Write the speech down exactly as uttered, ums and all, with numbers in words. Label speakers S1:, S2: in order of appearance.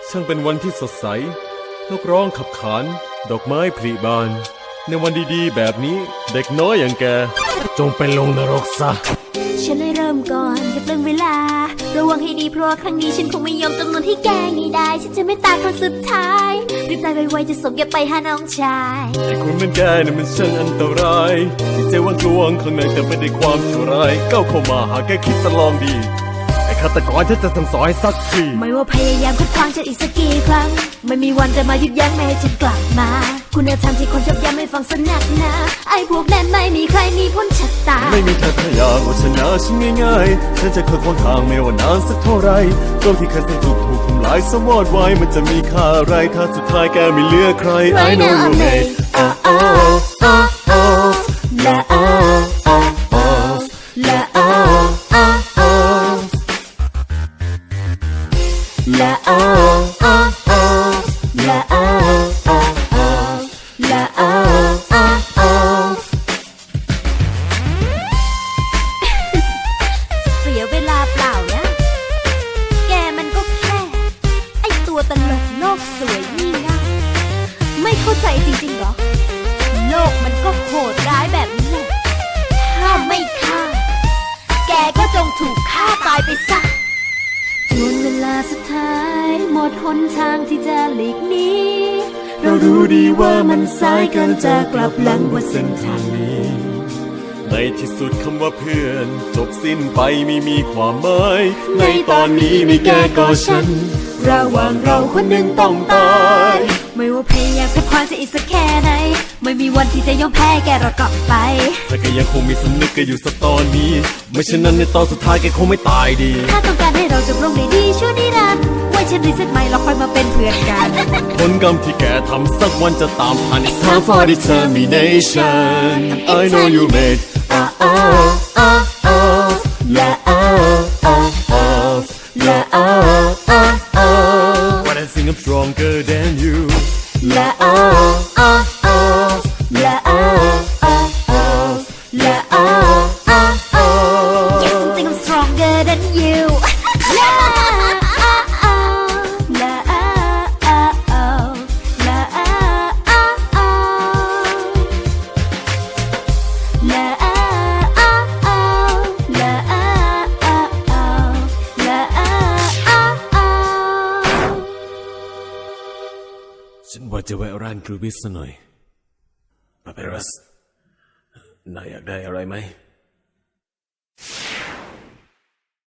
S1: ช่างเป็นวันที่สดใสนกร้องขับขานดอกไม้ผลิบานในวันดีๆแบบนี้เด็กน้อยอย่างแกจงไปลงนรกซะ
S2: ฉันเลยเริ่มก่อนกับเรื่องเวลาระวังให้ดีเพราะว่าครั้งนี้ฉันคงไม่ยอมจำนวนให้แกง่ายได้ฉันจะไม่ตายครั้งสุดท้ายรีบตายไวๆจะส่งแกไปหาน้องชาย
S1: ไอ้คนเป็นแกเนี่ยมันช่างอันตรายที่ใจว่ากลวงข้างในแต่ไม่ได้ความชั่วร้ายก้าวเข้ามาหาแกคิดจะลองดีไอ้ฆาตกรฉันจะสั่งสอนให้สักที
S2: ไม่ว่าพยายามขัดขวางฉันอีกสักกี่ครั้งไม่มีวันจะมาหยุดยั้งไม่ให้ฉันกลับมาคุณธรรมที่คนชอบย้ำไม่ฟังสนักหนาไอ้พวกนั้นไม่มีใครมีพ้นชะตา
S1: ไม่มีเธอถ้าอยากว่าชนะฉันง่ายๆฉันจะเคยควงทางไม่ว่านานสักเท่าไรโลกที่เคยสนุกถูกทำลายสมอดไว้มันจะมีค่าอะไรถ้าสุดท้ายแกไม่เหลือใคร I know you made oh oh oh oh la oh oh oh la oh oh oh la oh oh oh la oh oh oh la oh oh oh
S2: เสียเวลาเปล่านะแกมันก็แค่ไอตัวตลกโลกสวยนี่ง่ายไม่เข้าใจจริงๆหรอโลกมันก็โหดร้ายแบบนี้แหละถ้าไม่ฆ่าแกก็จงถูกฆ่าตายไปซะจนเวลาสุดท้ายหมดหนทางที่จะหลีกหนี
S1: เรารู้ดีว่ามันสายเกินจะกลับหลังว่าเส้นทางนี้ในที่สุดคำว่าเพื่อนจบสิ้นไปไม่มีความหมายในตอนนี้มีแกก็ฉันระหว่างเราคนหนึ่งต้องตาย
S2: ไม่ว่าพยายามขัดขวางจะอีกสักแค่ไหนไม่มีวันที่จะยอมแพ้แกเรากลับไป
S1: แต่ก็ยังคงมีสำนึกกันอยู่สักตอนนี้ไม่เช่นนั้นในตอนสุดท้ายแกคงไม่ตายดี
S2: ถ้าต้องการให้เราจบลงได้ดีชั่วนิรันดร์ไว้ฉันรีเซ็ตใหม่เราค่อยมาเป็นเพื่อนกัน
S1: ผลกรรมที่แกทำสักวันจะตามทัน It's time for determination I know you made oh oh oh oh la oh oh oh la oh oh oh When I sing I'm stronger than you la oh oh oh la oh oh oh la oh oh oh
S2: Yes I think I'm stronger than you la oh oh la oh oh la oh oh la oh oh la oh oh la oh oh
S1: ฉันว่าจะแวะร้านกรูบิสหน่อยปาเปรัสนายอยากได้อะไรไหม